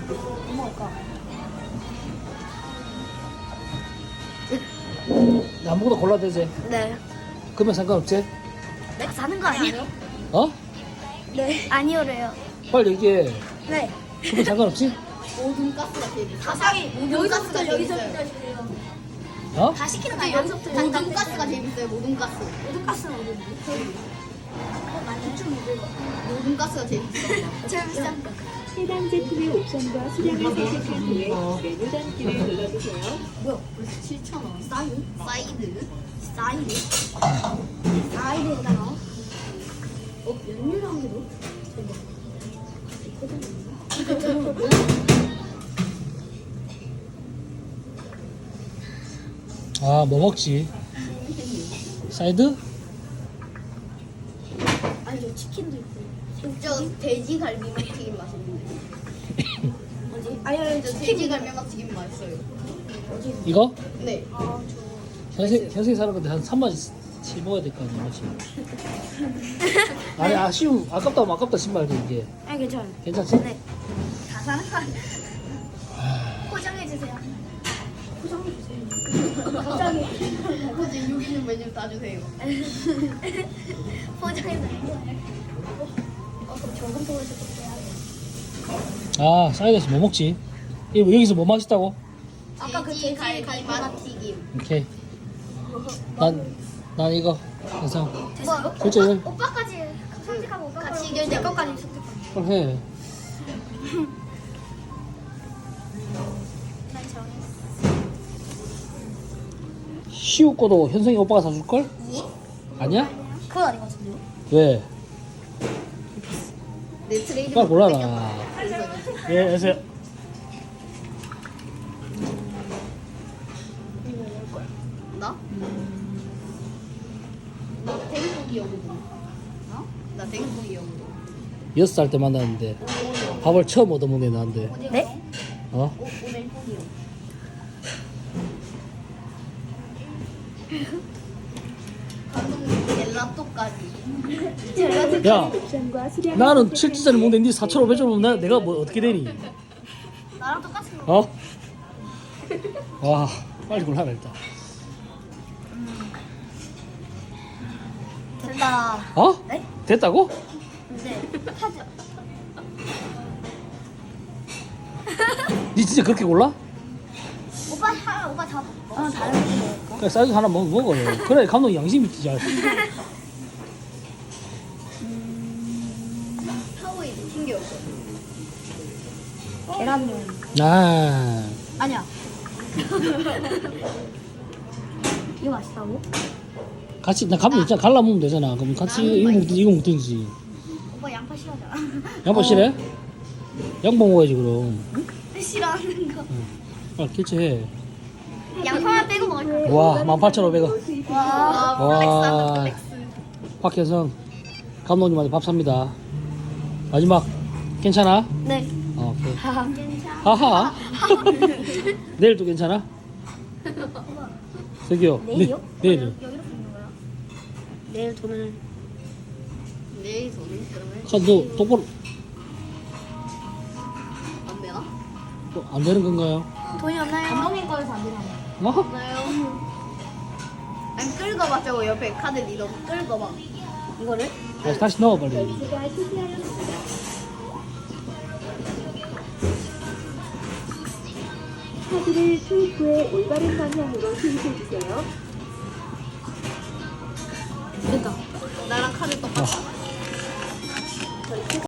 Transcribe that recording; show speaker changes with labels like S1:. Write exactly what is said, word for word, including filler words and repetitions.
S1: 뭐 먹을까?
S2: 아무거나 골라도 되지?
S1: 네.
S2: 그러면 상관없지?
S1: 내가 사는 거 아니에요?
S2: 어?
S1: 네. 아니오래요.
S2: 빨리 얘기해.
S1: 네.
S2: 그러면 상관없지?
S3: 모든 가스가 제일 비싸요.
S1: 가상이
S3: 모든 가스가 제일 비싸요.
S2: 어?
S1: 다 시키는 거
S3: 근데
S1: 아니야?
S3: 연속들 모든 가스가 제일 비싸요. 모든 가스.
S1: 모든 가스는 어딘데?
S3: 모든 가스가 제일 비싸요.
S1: 제일 비싼 거.
S4: 해당 제품의 옵션과 수량을 선택한 후에 메뉴 단계를 눌러주세요.
S3: 뭐야? 벌써 칠천 원.
S1: 사이드?
S3: 사이드.
S1: 사이드? 사이드에다가 어? 면류랑 해도?
S2: 아, 뭐 먹지? 사이드?
S1: 아니 저 치킨도 있고.
S3: 저 돼지 갈비맛 튀김 맛있는데.
S1: 뭐지? 아니 아니
S3: 저 돼지 갈비맛 튀김 맛있어요.
S2: 이거?
S3: 네.
S1: 아 저.
S2: 현생, 현생 사는 건데 한 삼만 치 먹어야 될 거 아니야, 맞지? 아니, 아쉬움, 아깝다 하면 아깝다 신발도 이게.
S1: 아 괜찮아요.
S2: 괜찮지?
S1: 네. 다 사는 거 아니야? 포장해 주세요. 포장해 주세요. 포장해.
S3: 이제 여기 있는 메뉴 다 주세요.
S1: 포장해 주세요. 어 그럼 저금 통해서 해야 돼.
S2: 아, 사이드에서 뭐 먹지? 이거 여기서 뭐 맛있다고?
S1: 아까 그
S3: 돼지
S1: 돼지
S3: 갈비맛 튀김.
S2: 오케이. 난, 난 이거. 그래서,
S1: 됐어?
S2: 결제 해.
S1: 오빠까지 선택하고 오빠
S3: 같이
S1: 내
S3: 결제하면
S1: 것까지
S3: 돼요.
S1: 선택하고.
S2: 그걸 해.
S1: 난 정했어.
S2: 시우 거도 현성이 오빠가 사줄걸? 아니야?
S1: 그건 아닌 것 같은데요?
S2: 왜?
S3: 내 트레이드.
S2: 빨리 골라라. 예, 안녕하세요.
S3: 나? 나 대구고기 여거든. 어? 나 대구고기 여거든.
S2: 여섯 살 때 만났는데 밥을 처음 얻어먹네 나한테.
S1: 네?
S2: 어?
S3: 오, 오뎅 고기요. 감독님 젤라또까지.
S2: 야,
S4: 옵션과 수량을
S2: 나는
S4: 선택한
S2: 칠 주짜리
S4: 후에
S2: 먹는데 니 사천오백 원 주면 나- 내가 뭐 어떻게 되니?
S1: 나랑 똑같은 거.
S2: 어? 와, 빨리 골라라 일단.
S1: 된다.
S2: 어?
S1: 네?
S2: 됐다고?
S1: 네. 하죠.
S2: 니 진짜 그렇게 골라?
S1: 오빠 하 오빠 다 먹어. 어 다른 거 먹을까?
S2: 그래, 사이즈 하나 먹, 먹어요. 그래, 감독 양심이 있지.
S3: 하우이 튕겨.
S1: 계란면.
S2: 아,
S1: 아니야. 이거 맛있다고?
S2: 같이, 나 감독 있잖아. 갈라 먹으면 되잖아. 그럼 같이 이거 먹든지 이거 먹든지.
S1: 오빠 양파 싫어하잖아.
S2: 양보 싫어? 양보 먹어야지, 그럼.
S1: 싫어하는 거.
S2: 빨리 결제해.
S1: 양파만 빼고 먹을 거야.
S2: 와, 만 팔천오백 원.
S1: 와.
S2: 와, 박혜성 감독님한테 밥 삽니다. 마지막 괜찮아?
S1: 네.
S2: 어, 오케이.
S1: 하하. 괜찮아.
S2: 하하. 내일도 괜찮아? 저기요.
S1: 내일이요?
S2: 네, 내일은.
S1: 여기로 보는 거야? 내일 돈을
S3: 내일 저는 그러면
S2: 아, 너 똑바로
S3: 안 되나?
S2: 또 안 되는 건가요?
S1: 돈이 없나요? 감독님 거에서 안 되나?
S2: 어?
S3: 없나요? 아니 끌어봐 저거 옆에 카드 리더 끌어봐.
S1: 이거를?
S2: 다시, 다시 넣어 빨리.
S4: 결제가 실패하였습니다. 카드를 투입 후에 올바른 방향으로 투입해주세요.
S1: 됐다.
S3: 나랑 카드 똑같아.
S2: 어.